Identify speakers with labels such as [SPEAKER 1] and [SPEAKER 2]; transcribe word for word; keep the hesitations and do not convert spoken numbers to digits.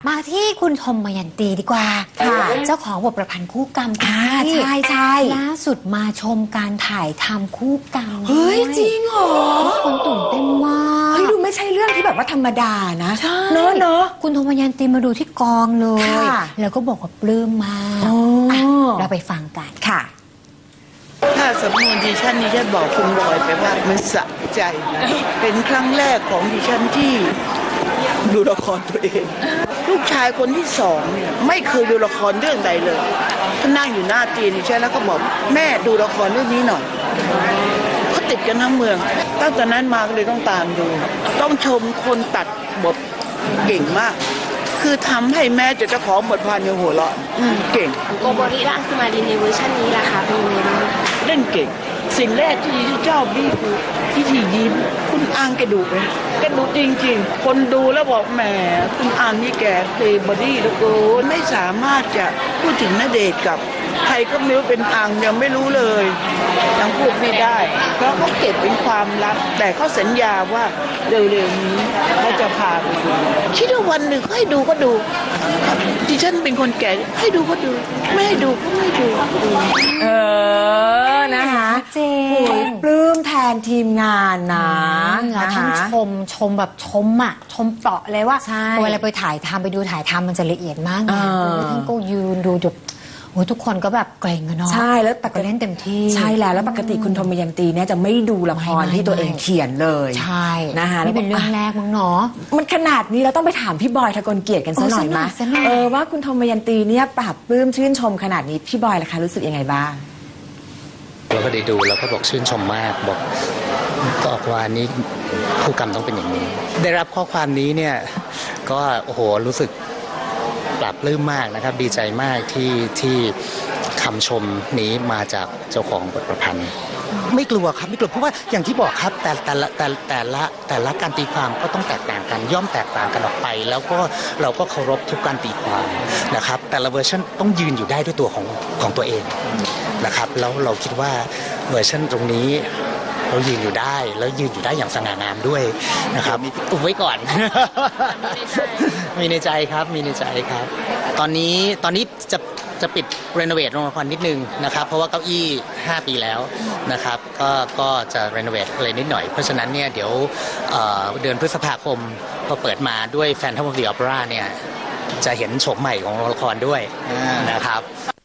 [SPEAKER 1] มาที่คุณธมยันตีดีกว่าค่ะเจ้าของบทประพันธ์คู่กรรมค่ะ
[SPEAKER 2] ใช่ใช่
[SPEAKER 1] ล่าสุดมาชมการถ่ายทำคู่กรรม
[SPEAKER 2] เฮ้ยจริงเหรอ
[SPEAKER 1] ทุกคนตื่นเต้นมาก
[SPEAKER 2] เฮ้ยดูไม่ใช่เรื่องที่แบบว่าธรรมดานะ
[SPEAKER 1] ใช่
[SPEAKER 2] เนอะเนอะ
[SPEAKER 1] คุณธมยันตีมาดูที่กองเลยแล้วก็บอกว่าปลื้มมากเราไปฟังกันค่ะ
[SPEAKER 3] ถ้าสำนวนดิฉันดิฉันบอกคุณบอยไปว่ามันสะใจเป็นครั้งแรกของดิฉันที่ดูละครตัวเองลูกชายคนที่สองเนี่ยไม่เคยดูละครเรื่องใดเลยเขานั่งอยู่หน้าเตียงดิฉันแล้วก็บอกแม่ดูละครเรื่องนี้หน่อยเขาติดกันทั้งเมืองตั้งแต่นั้นมาก็เลยต้องตามดูต้องชมคนตัดบทเก่งมากคือทำให้แม้จะเจ้าของบทพานยังหัวเราะเก่ง
[SPEAKER 4] โกโบริรังสมารินในเวอร์ชันนี้ล่ะคะเป็นยังไงบ้าง
[SPEAKER 3] เล่นเก่งสิ่งแรกที่เจ้าบี้คือพิธียิ้มคุณอังแกดุไหมแกดุจริงๆคนดูแล้วบอกแหมคุณอังนี่แกเพลย์บอดี้แล้วก็ไม่สามารถจะพูดถึงณเดชน์กับใครก็ไม่รู้เป็นอังยังไม่รู้เลยยังพูดไม่ได้เพราะเขาเก็บเป็นความลับแต่เขาสัญญาว่าเร็วๆนี้เขาจะพาไปดูคิดว่าวันหนึ่งให้ดูก็ดูดิฉันเป็นคนแก่ให้ดูก็ดูไม่ให้ดูก็ไม่ดู
[SPEAKER 2] เออนะคะ
[SPEAKER 1] เจน
[SPEAKER 2] ปลื้มแทนทีมงานนะ
[SPEAKER 1] แล้วทั้งชมชมแบบชมอ่ะชมเปราะเลยว่าเวลาไปถ่ายทำไปดูถ่ายทำมันจะละเอียดมากนะทั้งก็ยืนดูจบทุกคนก็แบบเกรงกันเนาะ
[SPEAKER 2] ใช่แล้ว
[SPEAKER 1] ปกติเล่นเต็มที่
[SPEAKER 2] ใช่แล้วแล้วปกติคุณธมยันตีเนี่ยจะไม่ดูละครที่ตัวเองเขียนเลย
[SPEAKER 1] ใช่
[SPEAKER 2] นะคะ
[SPEAKER 1] นี่เป็นเรื่องแรกมั้งเนาะ
[SPEAKER 2] มันขนาดนี้เราต้องไปถามพี่บอยทะกลเกียรติกันซะหน่อยมั้ยเออว่าคุณธมยันตีเนี่ยปราบปลื้มชื่นชมขนาดนี้พี่บอยล่ะคะรู้สึกยังไงบ้าง
[SPEAKER 5] เราก็ได้ดูแล้วก็บอกชื่นชมมากบอกก็ออกว่านี้คู่กรรมต้องเป็นอย่างนี้ได้รับข้อความนี้เนี่ยก็โอ้โหรู้สึกปลาบปลื้มมากนะครับดีใจมากที่ที่คำชมนี้มาจากเจ้าของบทประพันธ์ไม่กลัวครับไม่กลัวเพราะว่าอย่างที่บอกครับแต่แต่ละแต่แต่ละแต่ละการตีความก็ต้องแตกต่างกันย่อมแตกต่างกันออกไปแล้วก็เราก็เคารพทุกการตีความนะครับแต่ละเวอร์ชันต้องยืนอยู่ได้ด้วยตัวของของตัวเองนะครับแล้วเราคิดว่าเวอร์ชันตรงนี้เรายืนอยู่ได้แล้วยืนอยู่ได้อย่างสง่างามด้วยนะครับอุบไว้ก่อนมีในใจครับมีในใจครับตอนนี้ตอนนี้จะจะปิดรีโนเวทโรงละครนิดนึงนะครับเพราะว่าเก้าอี้ห้าปีแล้วนะครับก็ก็จะรีโนเวทอะไรนิดหน่อยเพราะฉะนั้นเนี่ยเดี๋ยวเดือนพฤษภาคมพอเปิดมาด้วย Phantom of the Opera เนี่ยจะเห็นโฉมใหม่ของโรงละครด้วยนะครับ